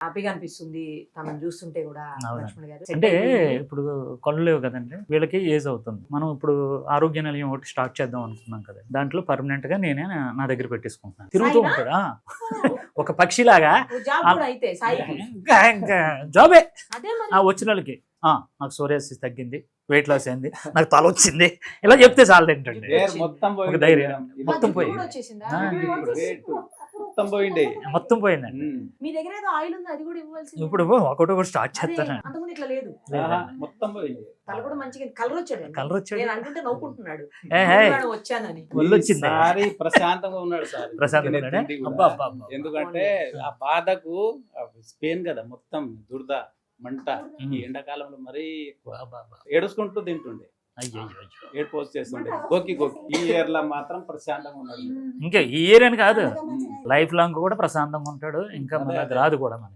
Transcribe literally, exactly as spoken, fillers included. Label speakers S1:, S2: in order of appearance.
S1: హ్యాపీగా అనిపిస్తుంది తనని చూస్తుంటే కూడా
S2: అవునండి.
S1: లక్ష్మణ్ గారు.
S2: అంటే ఇప్పుడు కళ్ళు లేవు కదండి వీళ్ళకి ఏజ్ అవుతుంది. మనం ఇప్పుడు ఆరోగ్య నిలయం ఒకటి స్టార్ట్ చేద్దాం అనుకున్నాం కదా, దాంట్లో పర్మనెంట్ గా నేనే నా- నా దగ్గర పెట్టేసుకుంటున్నాను. తిరుగుతూ
S1: సాయినా?
S2: ఉంటాడు ఆ. ఒక పక్షిలాగా
S1: ఓ జాబ్ కూడా అయితే సాయికి.
S2: ఇంకా ఇంకా జాబే
S1: అదే మరి.
S2: ఆ వచ్చిన వాళ్ళకి ఆ, నాకు సోరియాసిస్ తగ్గింది, వెయిట్ లాస్ అయింది, నాకు తల వచ్చింది, ఇలా చెప్తే చాలు ఏంటండి.
S3: హెయిర్ మొత్తం
S2: ఒక
S3: పోయింది
S2: ధైర్యం.
S3: మేడం. ఇది
S2: మొత్తం
S1: జుట్టు
S2: పోయింది.
S1: కూడా వచ్చేసిందా?
S2: ఆ,
S3: ఇది ఇప్పుడు weight మొత్తం పోయింది.
S2: మొత్తం పోయిందండి.
S3: ఉమ్.
S1: మీ దగ్గర ఏదో ఆయిల్ ఉంది అది కూడా ఇవ్వాల్సింది.
S2: ఇప్పుడు ఒకటి ఒకటి స్టార్ట్ చేస్తాను.
S1: అంతకుముందు ఇట్లా లేదు.
S3: ఆహా, మొత్తం పోయింది.
S1: తల కూడా మంచిగా కలర్ వచ్చాడు.
S2: కలర్ వచ్చాడు.
S1: నేను అనుకుంటే నవ్వుకుంటున్నాడు.
S2: ఏ, హే.
S1: నేను వచ్చానని.
S2: ఒళ్ళు వచ్చింది.
S3: ఈసారి ప్రశాంతంగా ఉన్నాడు సార్.
S2: ప్రశాంతంగా
S3: తినే
S2: ఉన్నాడా?
S3: తిండి కూడా.
S2: అబ్బా, అబ్బా, అబ్బా.
S3: ఎందుకంటే ఆ బాధకు పెయిన్ కదా మొత్తం దురద మంట.
S2: ఉమ్.
S3: ఈ ఎండాకాలంలో మరీ ఎక్కువ.
S2: అబ్బా, అబ్బా.
S3: ఏడుచుకుంటూ తింటుండే,
S2: అయ్యో, అయ్యో, అయ్యో.
S3: ఏడు పోస్ట్ చేస్తుండే, గోకి గోకి. ఈ ఇయర్ లో మాత్రం ప్రశాంతంగా ఉన్నాడు.
S2: ఇంకా ఈ ఇయర్ అని కాదు,
S3: ఉమ్.
S2: లైఫ్ లాంగ్ కూడా ప్రశాంతంగా ఉంటాడు. ఇంకా
S3: అదే,
S2: మనది
S3: అదే.
S2: రాదు కూడా మనకి.